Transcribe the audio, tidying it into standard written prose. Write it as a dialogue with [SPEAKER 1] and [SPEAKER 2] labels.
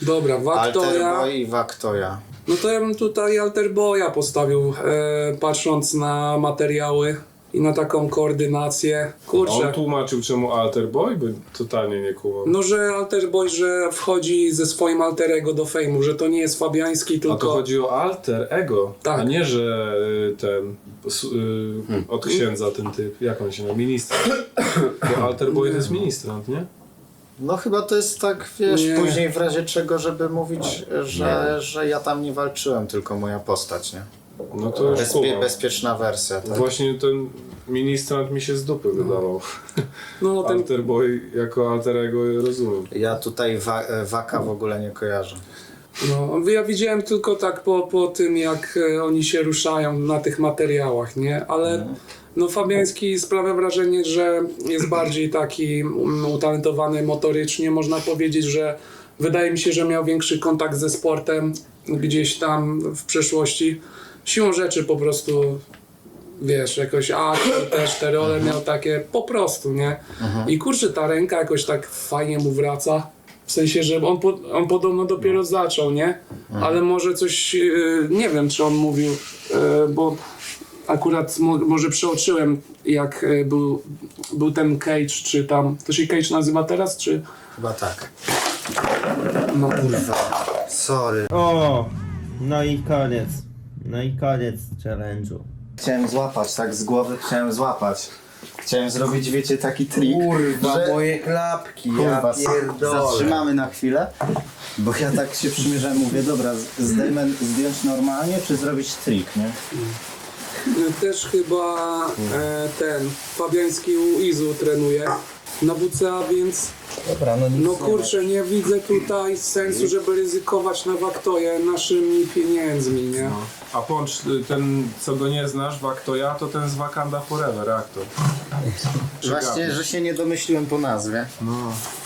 [SPEAKER 1] Dobra, Waktoja.
[SPEAKER 2] Alterboy i Waktoja.
[SPEAKER 1] No to ja bym tutaj Alterboya postawił, patrząc na materiały i na taką koordynację. Kurczę.
[SPEAKER 3] On tłumaczył czemu Alterboy, bo totalnie nie kumam.
[SPEAKER 1] No, że Alterboy, że wchodzi ze swoim alter ego do fejmu, że to nie jest Fabiański,
[SPEAKER 3] A
[SPEAKER 1] tylko...
[SPEAKER 3] to chodzi o alter ego,
[SPEAKER 1] Tak.
[SPEAKER 3] a nie, że ten od księdza ten typ, jak on się nazywa, ministrant. Bo Alterboy to jest ministrant, nie?
[SPEAKER 2] No chyba to jest tak, wiesz,
[SPEAKER 1] Nie.
[SPEAKER 2] później w razie czego, żeby mówić, że ja tam nie walczyłem, tylko moja postać, nie?
[SPEAKER 3] No to już kumam.
[SPEAKER 2] Bezpieczna wersja, tak?
[SPEAKER 3] Właśnie ten ministrant mi się z dupy wydawał.
[SPEAKER 1] No, ten...
[SPEAKER 3] Alterboy jako alter ego rozumiem.
[SPEAKER 2] Ja tutaj Waka w ogóle nie kojarzę.
[SPEAKER 1] No, ja widziałem tylko tak po tym, jak oni się ruszają na tych materiałach, nie? Ale no, Fabiański sprawia wrażenie, że jest bardziej taki utalentowany motorycznie. Można powiedzieć, że wydaje mi się, że miał większy kontakt ze sportem gdzieś tam w przeszłości. Siłą rzeczy po prostu, wiesz, jakoś też te role miał takie po prostu, nie? I kurczę, ta ręka jakoś tak fajnie mu wraca. W sensie, że on podobno dopiero zaczął, nie? Ale może coś, nie wiem, czy on mówił, bo akurat może przeoczyłem, jak był ten Cage, czy tam, to się Cage nazywa teraz, czy?
[SPEAKER 2] Chyba tak.
[SPEAKER 1] No.
[SPEAKER 2] Kurwa, sorry.
[SPEAKER 4] O! No i koniec. No i koniec challenge'u.
[SPEAKER 2] Chciałem złapać, tak z głowy chciałem złapać. Chciałem zrobić, wiecie, taki trik,
[SPEAKER 4] Kurwa,
[SPEAKER 2] że...
[SPEAKER 4] moje klapki,
[SPEAKER 2] Kurwa,
[SPEAKER 4] ja pierdolę.
[SPEAKER 2] zatrzymamy na chwilę, bo ja tak się przymierzałem, mówię, dobra, zdjąć normalnie, czy zrobić trik, nie?
[SPEAKER 1] Też chyba ten Fabiański u Izu trenuje na WCA, więc
[SPEAKER 2] Dobra, no nic
[SPEAKER 1] no kurczę, nie widzę tutaj sensu, żeby ryzykować na Waktoję naszymi pieniędzmi, nie?
[SPEAKER 3] A Poncz, ten co go nie znasz, Waktoja, to ten z Wakanda Forever aktor.
[SPEAKER 2] Właśnie, że się nie domyśliłem po nazwie.
[SPEAKER 3] No.